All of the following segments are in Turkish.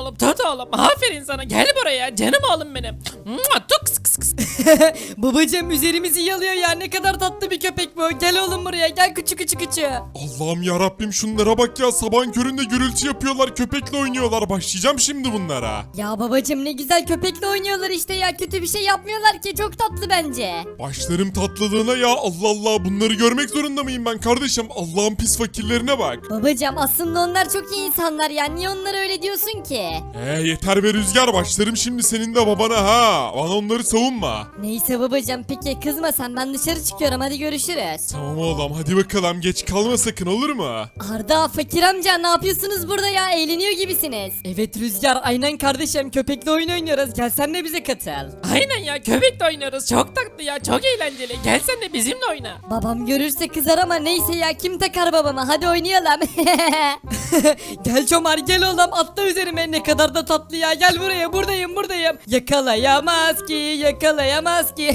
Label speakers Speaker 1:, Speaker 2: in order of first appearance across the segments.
Speaker 1: oğlum tut oğlum. Aferin sana gel buraya canım oğlum benim. Mua, tuk sık sık sık.
Speaker 2: Babacım üzerimizi yalıyor ya, ne kadar tatlı bir köpek bu. Gel oğlum buraya, gel küçük küçük küçük.
Speaker 3: Allah'ım ya Rabbim, şunlara bak ya, sabahın köründe gürültü yapıyorlar, köpekle oynuyorlar. Başlayacağım şimdi bunlara.
Speaker 2: Ya babacım ne güzel köpekle oynuyorlar işte ya, kötü bir şey yapmıyorlar ki, çok tatlı bence.
Speaker 3: Başlarım tatlılığına ya, Allah Allah, bunları görmek zorunda mıyım ben kardeşim? Allah'ın pis fakirlerine bak.
Speaker 2: Babacım aslında onlar çok iyi insanlar ya, niye onlara öyle diyorsun ki?
Speaker 3: Yeter be Rüzgar, başlarım şimdi senin de babana ha. Bana onları savunma.
Speaker 2: Neyse babacım, peki kızma sen, ben dışarı çıkıyorum, hadi görüşürüz.
Speaker 3: Tamam oğlum, hadi bakalım, geç kalma sakın, olur mu?
Speaker 2: Arda, Fakir amca ne yapıyorsunuz burada ya, eğleniyor gibisiniz. Evet Rüzgar, aynen kardeşim, köpekle oyun oynuyoruz, gel sen de bize katıl.
Speaker 1: Aynen ya köpekle oynuyoruz çok tatlı ya çok eğlenceli. Gel sen de bizimle oyna.
Speaker 2: Babam görürse kızar ama neyse ya, kim takar babama, hadi oynayalım. Gel Çomar, gel oğlum, atla üzerime, ne kadar da tatlı ya, gel buraya, buradayım. Yakalayamaz ki, yakalayamaz ki.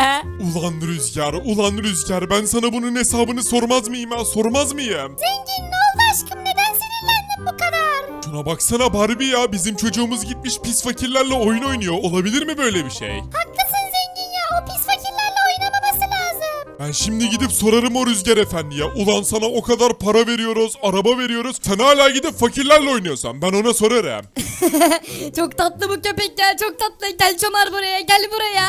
Speaker 3: Ulan Rüzgar, ben sana bunun hesabını sormaz mıyım ha, sormaz mıyım?
Speaker 2: Zengin, ne oldu aşkım, neden sinirlendin bu kadar?
Speaker 3: Şuna baksana Barbie ya, bizim çocuğumuz gitmiş pis fakirlerle oyun oynuyor, olabilir mi böyle bir şey?
Speaker 2: Haklısın zengin ya, o pis fakirlerle oynamaması lazım.
Speaker 3: Ben şimdi gidip sorarım o Rüzgar efendiye. Ulan sana o kadar para veriyoruz, araba veriyoruz, sen hala gidip fakirlerle oynuyorsan ben ona sorarım.
Speaker 2: Çok tatlı bu köpek ya, çok tatlı, gel Çomar buraya, gel buraya.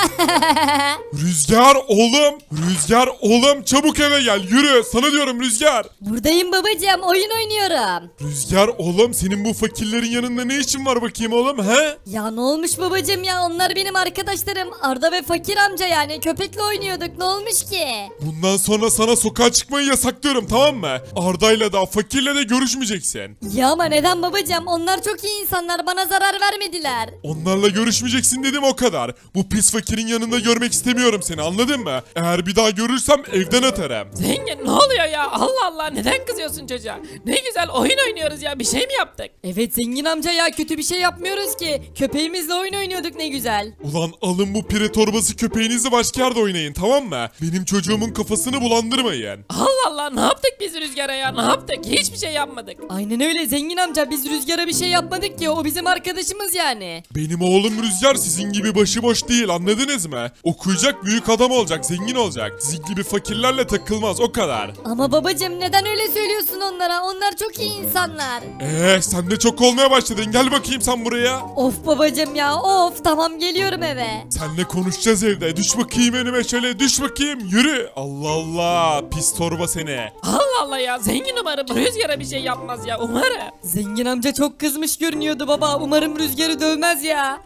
Speaker 3: Rüzgar oğlum çabuk eve gel, yürü sana diyorum Rüzgar.
Speaker 2: Buradayım babacığım, oyun oynuyorum.
Speaker 3: Rüzgar oğlum, senin bu fakirlerin yanında ne işin var bakayım oğlum he?
Speaker 2: Ya ne olmuş babacığım ya, onlar benim arkadaşlarım, Arda ve Fakir amca, yani köpekle oynuyorduk, ne olmuş ki?
Speaker 3: Bundan sonra sana sokağa çıkmayı yasaklıyorum, tamam mı? Arda'yla da fakirle de görüşmeyeceksin.
Speaker 2: Ya ama neden babacığım, onlar çok iyi insanlar, bana zarar vermediler.
Speaker 3: Onlarla görüşmeyeceksin dedim, o kadar. Bu pis fakirin yanında görmek istemiyorum seni, anladın mı? Eğer bir daha görürsem evden atarım.
Speaker 1: Zengin ne oluyor ya Allah Allah neden kızıyorsun çocuğa? Ne güzel oyun oynuyoruz ya bir şey mi yaptık?
Speaker 2: Evet zengin amca ya, kötü bir şey yapmıyoruz ki, köpeğimizle oyun oynuyorduk, ne güzel.
Speaker 3: Ulan alın bu pire torbası köpeğinizi başka yerde oynayın, tamam mı? Benim çocuğumun kafasını bulandırmayın.
Speaker 1: Allah Allah ne yaptık biz Rüzgar'a ya ne yaptık? Hiçbir şey yapmadık.
Speaker 2: Aynen öyle zengin amca, biz Rüzgar'a bir şey yapmadık ki, o bizim arkadaşımız yani.
Speaker 3: Benim oğlum Rüzgar sizin gibi başıboş değil, anladınız mı? Okuyacak, büyük adam olacak, zengin olacak. Sizin gibi fakirlerle takılmaz, o kadar.
Speaker 2: Ama babacığım neden öyle söylüyorsun onlara, onlar çok iyi insanlar.
Speaker 3: Sen de çok olmaya başladın, gel bakayım sen buraya.
Speaker 2: Of babacığım ya, of, tamam geliyorum eve.
Speaker 3: Seninle konuşacağız evde, düş bakayım önüme şöyle, düş bakayım, yürü. Allah Allah, pis torba seni.
Speaker 1: Allah Allah ya zengin umarım Rüzgar'a bir şey yapmaz ya umarım.
Speaker 2: Zengin amca çok kızmış görünüyordu baba, umarım Rüzgar'ı dövmez ya.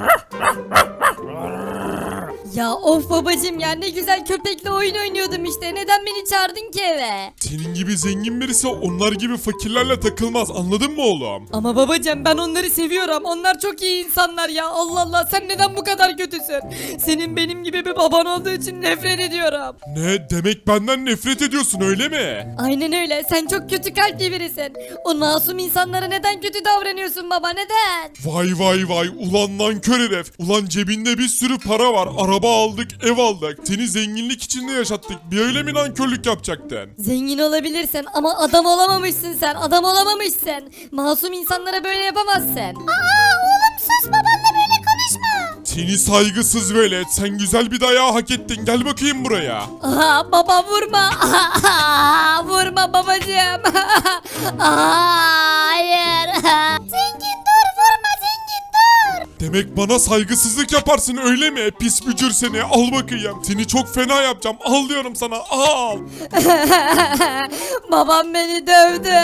Speaker 2: Ya of babacığım ya, ne güzel köpekle oyun oynuyordum işte, neden beni çağırdın ki eve?
Speaker 3: Senin gibi zengin birisi onlar gibi fakirlerle takılmaz, anladın mı oğlum?
Speaker 2: Ama babacığım ben onları seviyorum, onlar çok iyi insanlar ya, Allah Allah, sen neden bu kadar kötüsün? Senin benim gibi bir baban olduğu için nefret ediyorum.
Speaker 3: Ne demek, benden nefret ediyorsun öyle mi?
Speaker 2: Aynen öyle, sen çok kötü kalpli birisin. O masum insanlara neden kötü davranıyorsun baba, neden?
Speaker 3: Vay, ulan nankör herif. Ulan cebinde bir sürü para var, araba aldık, ev aldık. Seni zenginlik içinde yaşattık, bir öyle mi nankörlük yapacaktın?
Speaker 2: Zengin olabilirsin ama adam olamamışsın sen, adam olamamışsın. Masum insanlara böyle yapamazsın. Aa oğlum sus, babanla böyle konuşma.
Speaker 3: Seni saygısız velet, sen güzel bir dayağı hak ettin, gel bakayım buraya.
Speaker 2: Aha baba vurma. Vurma babacığım. Hayır. Zengin dur, vurma zengin dur.
Speaker 3: Demek bana saygısızlık yaparsın öyle mi? Pis bücür seni, al bakayım. Seni çok fena yapacağım, al diyorum sana, al.
Speaker 2: Babam beni dövdü.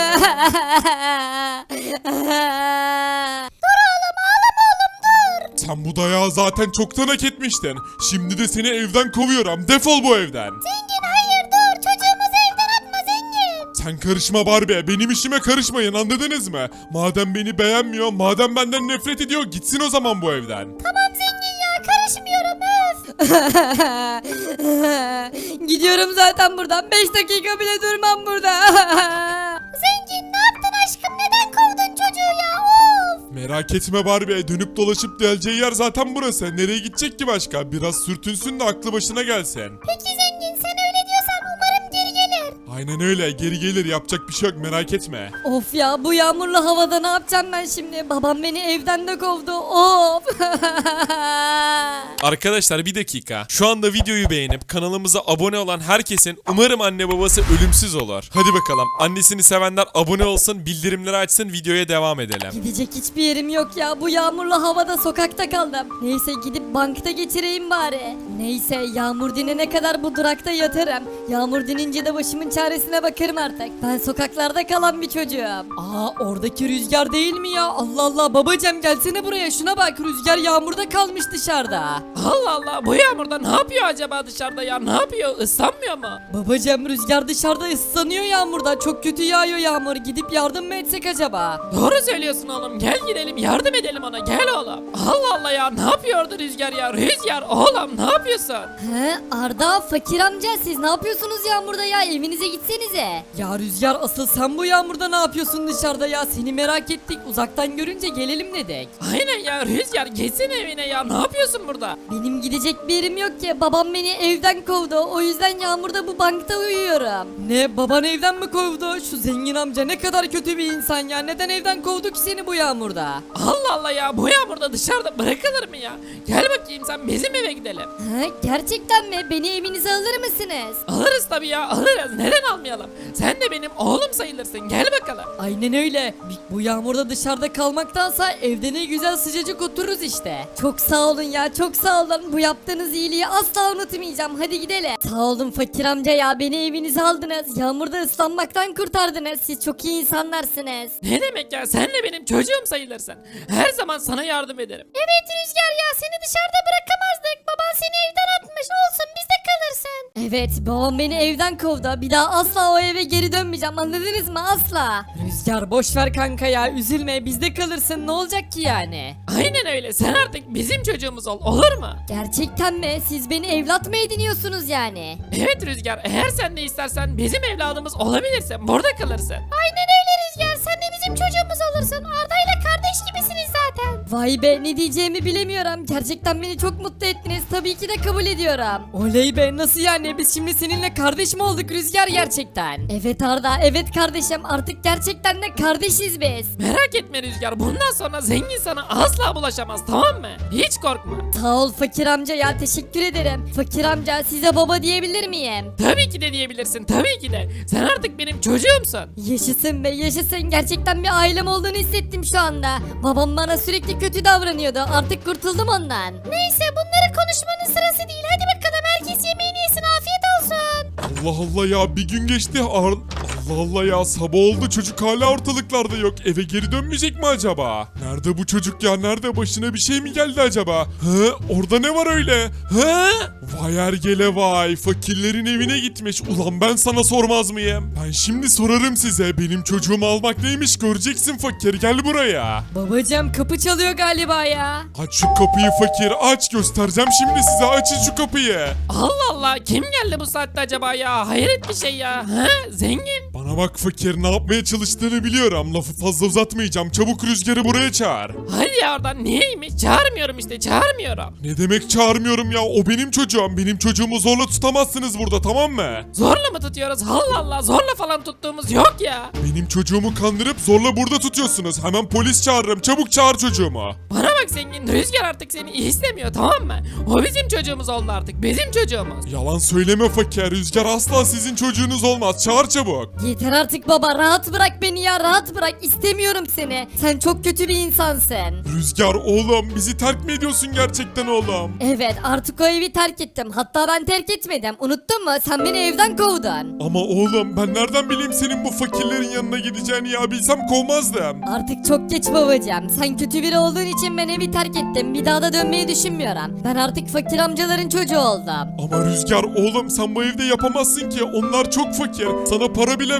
Speaker 3: Sen bu dayağı zaten çoktan hak etmiştin. Şimdi de seni evden kovuyorum, defol bu evden.
Speaker 2: Zengin hayır dur, çocuğumuzu evden atma zengin.
Speaker 3: Sen karışma Barbie, benim işime karışmayın, anladınız mı? Madem beni beğenmiyor, madem benden nefret ediyor, gitsin o zaman bu evden.
Speaker 2: Tamam zengin ya, karışmıyorum öf. Gidiyorum zaten buradan, 5 dakika bile durmam burada. Zengin ne yaptın aşkım, neden kovdun çocuğu ya, of.
Speaker 3: Merak etme Barbie, dönüp dolaşıp geleceği yer zaten burası. Nereye gidecek ki başka? Biraz sürtünsün de aklı başına gelsin.
Speaker 2: Peki zengin, sen öyle diyorsan umarım geri gelir.
Speaker 3: Aynen öyle, geri gelir, yapacak bir şey yok, merak etme.
Speaker 2: Of ya, bu yağmurlu havada ne yapacağım ben şimdi? Babam beni evden de kovdu. Of.
Speaker 4: Arkadaşlar bir dakika. Şu anda videoyu beğenip kanalımıza abone olan herkesin umarım anne babası ölümsüz olur. Hadi bakalım. Annesini sevenler abone olsun, bildirimleri açsın, videoya devam edelim.
Speaker 2: Gidecek hiçbir yerim yok ya. Bu yağmurlu havada sokakta kaldım. Neyse gidip bankta geçireyim bari. Neyse, yağmur dinene kadar bu durakta yatarım. Yağmur dinince de başımın çaresine bakarım artık. Ben sokaklarda kalan bir çocuğum. Aa, oradaki Rüzgar değil mi ya? Allah Allah, babacığım gelsene buraya, şuna bak, Rüzgar yağmurda kalmış dışarıda.
Speaker 1: Allah Allah, bu yağmurda ne yapıyor acaba dışarıda ya? Ne yapıyor? Islanmıyor mu?
Speaker 2: Babacığım, Rüzgar dışarıda ıslanıyor yağmurda. Çok kötü yağıyor yağmur. Gidip yardım mı etsek acaba?
Speaker 1: Doğru söylüyorsun oğlum. Gel gidelim, yardım edelim ona. Gel oğlum. Allah Allah ya, ne yapıyordu Rüzgar ya? Rüzgar oğlum, ne yapıyorsun?
Speaker 2: He, Arda, Fakir amca, siz ne yapıyorsunuz yağmurda ya? Evinize gitsenize. Ya Rüzgar, asıl sen bu yağmurda ne yapıyorsun dışarıda ya? Seni merak ettik. Uzaktan görünce gelelim dedik.
Speaker 1: Aynen ya Rüzgar, geçsene evine ya. Ne yapıyorsun burada?
Speaker 2: Benim gidecek bir yerim yok ki. Babam beni evden kovdu. O yüzden yağmurda bu bankta uyuyorum. Ne, baban evden mi kovdu? Şu zengin amca ne kadar kötü bir insan ya. Neden evden kovdu ki seni bu yağmurda?
Speaker 1: Allah Allah ya, bu yağmurda dışarıda bırakılır mı ya? Gel bakayım, sen bizim eve gidelim.
Speaker 2: He, gerçekten mi? Beni evinize alır mısınız?
Speaker 1: Alırız tabii ya, alırız. Neden almayalım? Sen de benim oğlum sayılırsın. Gel bakalım.
Speaker 2: Aynen öyle. Bu yağmurda dışarıda kalmaktansa evde ne güzel sıcacık otururuz işte. Çok sağ olun ya, çok sağ olun. Bu yaptığınız iyiliği asla unutmayacağım. Hadi gidelim. Sağ olun Fakir amca ya, beni evinize aldınız. Yağmurda ıslanmaktan kurtardınız. Siz çok iyi insanlarsınız.
Speaker 1: Ne demek ya, sen de benim çocuğum sayılırsın. Her zaman sana yardım ederim.
Speaker 2: Evet Rüzgar ya, seni dışarıda bırakamazdık. Baban seni evden atmış. Olsun, bizde kalırsın. Evet, babam beni evden kovdu. Bir daha asla o eve geri dönmeyeceğim. Anladınız mı? Asla. Rüzgar, boş ver kanka ya. Üzülme, bizde kalırsın. Ne olacak ki yani?
Speaker 1: Aynen öyle, sen artık bizim çocuğumuz ol, olur mu?
Speaker 2: Gerçekten mi? Siz beni evlat mı ediniyorsunuz yani?
Speaker 1: Evet Rüzgar, eğer sen de istersen bizim evladımız olabilirsin, burada kalırsın.
Speaker 2: Aynen öyle Rüzgar. Sen de bizim çocuğumuz olursun. Arda ile kardeş gibisiniz zaten. Vay be, ne diyeceğimi bilemiyorum. Gerçekten beni çok mutlu ettiniz. Tabii ki de kabul ediyorum. Oley be, nasıl yani? Biz şimdi seninle kardeş mi olduk Rüzgar gerçekten? Evet Arda, evet kardeşim. Artık gerçekten de kardeşiz biz.
Speaker 1: Merak etme Rüzgar, bundan sonra zengin sana asla bulaşamaz, tamam mı? Hiç korkma.
Speaker 2: Sağ ol Fakir amca ya, teşekkür ederim. Fakir amca, size baba diyebilir miyim?
Speaker 1: Tabii ki de diyebilirsin, tabii ki de. Sen artık benim çocuğumsun.
Speaker 2: Yaşasın be, yaşasın. Gerçekten bir ailem olduğunu hissettim şu anda. Babam bana sürekli kötü davranıyordu. Artık kurtuldum ondan. Neyse, bunları konuşmanın sırası değil. Hadi bakalım, herkes yemeğini yesin. Afiyet olsun.
Speaker 3: Allah Allah ya, bir gün geçti. Allah Allah ya, sabah oldu, çocuk hala ortalıklarda yok. Eve geri dönmeyecek mi acaba? Nerede bu çocuk ya, nerede? Başına bir şey mi geldi acaba? Hı? Orada ne var öyle? Hı? Vay ergele vay, fakirlerin evine gitmiş. Ulan ben sana sormaz mıyım? Ben şimdi sorarım size. Benim çocuğumu almak neymiş, göreceksin fakir, gel buraya.
Speaker 2: Babacığım, kapı çalıyor galiba ya.
Speaker 3: Aç şu kapıyı fakir, aç, göstereceğim şimdi size, açın şu kapıyı.
Speaker 1: Allah Allah, kim geldi bu saatte acaba ya? Hayret bir şey ya. Ha? Zengin.
Speaker 3: Bana bak fakir, ne yapmaya çalıştığını biliyorum. Lafı fazla uzatmayacağım. Çabuk Rüzgar'ı buraya çağır.
Speaker 1: Hadi ya oradan, niyeymiş? Çağırmıyorum işte, çağırmıyorum.
Speaker 3: Ne demek çağırmıyorum ya? O benim çocuğum. Benim çocuğumu zorla tutamazsınız burada, tamam mı?
Speaker 1: Zorla mı tutuyoruz? Allah Allah, zorla falan tuttuğumuz yok ya.
Speaker 3: Benim çocuğumu kandırıp zorla burada tutuyorsunuz. Hemen polis çağırırım. Çabuk çağır çocuğumu.
Speaker 1: Bana bak zengin, Rüzgar artık seni istemiyor, tamam mı? O bizim çocuğumuz oldu artık, bizim çocuğumuz.
Speaker 3: Yalan söyleme fakir. Rüzgar asla sizin çocuğunuz olmaz. Çağır çabuk.
Speaker 2: Yeter artık baba, rahat bırak beni ya, rahat bırak. İstemiyorum seni. Sen çok kötü bir insansın.
Speaker 3: Rüzgar oğlum, bizi terk mi ediyorsun gerçekten oğlum?
Speaker 2: Evet, artık o evi terk ettim. Hatta ben terk etmedim. Unuttun mu? Sen beni evden kovdun.
Speaker 3: Ama oğlum, ben nereden bileyim senin bu fakirlerin yanına gideceğini ya? Bilsem kovmazdım.
Speaker 2: Artık çok geç babacığım. Sen kötü biri olduğun için ben evi terk ettim. Bir daha da dönmeyi düşünmüyorum. Ben artık fakir amcaların çocuğu oldum.
Speaker 3: Ama Rüzgar oğlum, sen bu evde yapamazsın ki. Onlar çok fakir. Sana para bile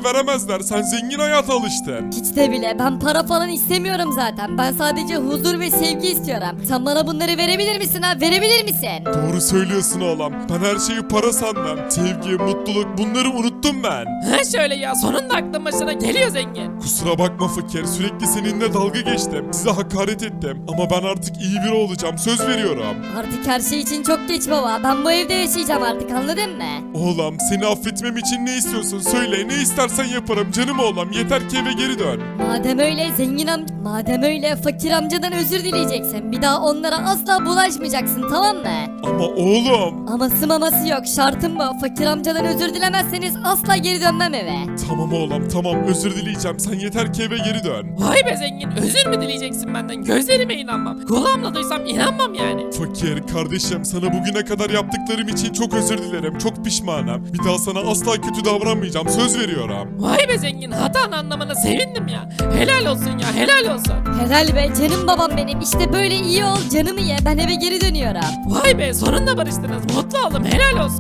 Speaker 3: sana veremezler. Sen zengin hayata alıştın.
Speaker 2: Hiç de bile, ben para falan istemiyorum zaten. Ben sadece huzur ve sevgi istiyorum. Sen bana bunları verebilir misin ha? Verebilir misin?
Speaker 3: Doğru söylüyorsun oğlum. Ben her şeyi para sandım. Sevgi, mutluluk bunları unuttum ben.
Speaker 1: Ha şöyle ya, sonunda aklın başına geliyor zengin.
Speaker 3: Kusura bakma fakir. Sürekli seninle dalga geçtim. Size hakaret ettim. Ama ben artık iyi biri olacağım. Söz veriyorum.
Speaker 2: Artık her şey için çok geç baba. Ben bu evde yaşayacağım artık, anladın mı?
Speaker 3: Oğlum seni affetmem için ne istiyorsun? Söyle, ne istersen yaparım canım oğlum. Yeter ki eve geri dön.
Speaker 2: Madem öyle fakir amcadan özür dileyeceksin. Bir daha onlara asla bulaşmayacaksın, tamam mı?
Speaker 3: Ama oğlum.
Speaker 2: Aması maması yok, şartım bu. Fakir amcadan özür dilemezseniz asla geri dönmem eve.
Speaker 3: Tamam oğlum tamam, özür dileyeceğim. Sen yeter ki eve geri dön.
Speaker 1: Vay be zengin, özür mü dileyeceksin benden? Gözlerime inanmam. Kulağımla duysam inanmam yani.
Speaker 3: Fakir kardeşim, sana bugüne kadar yaptıklarım için çok özür dilerim. Çok pişmanım. Bir daha sana asla kötü davranmayacağım. Söz veriyorum.
Speaker 1: Vay be zengin, hatanı anlamana sevindim ya. Helal olsun ya, helal olsun.
Speaker 2: Helal be canım babam benim. İşte böyle iyi ol, canımı ye. Ben eve geri dönüyorum.
Speaker 1: Vay be, sonunda barıştınız. Mutlu oldum, helal olsun.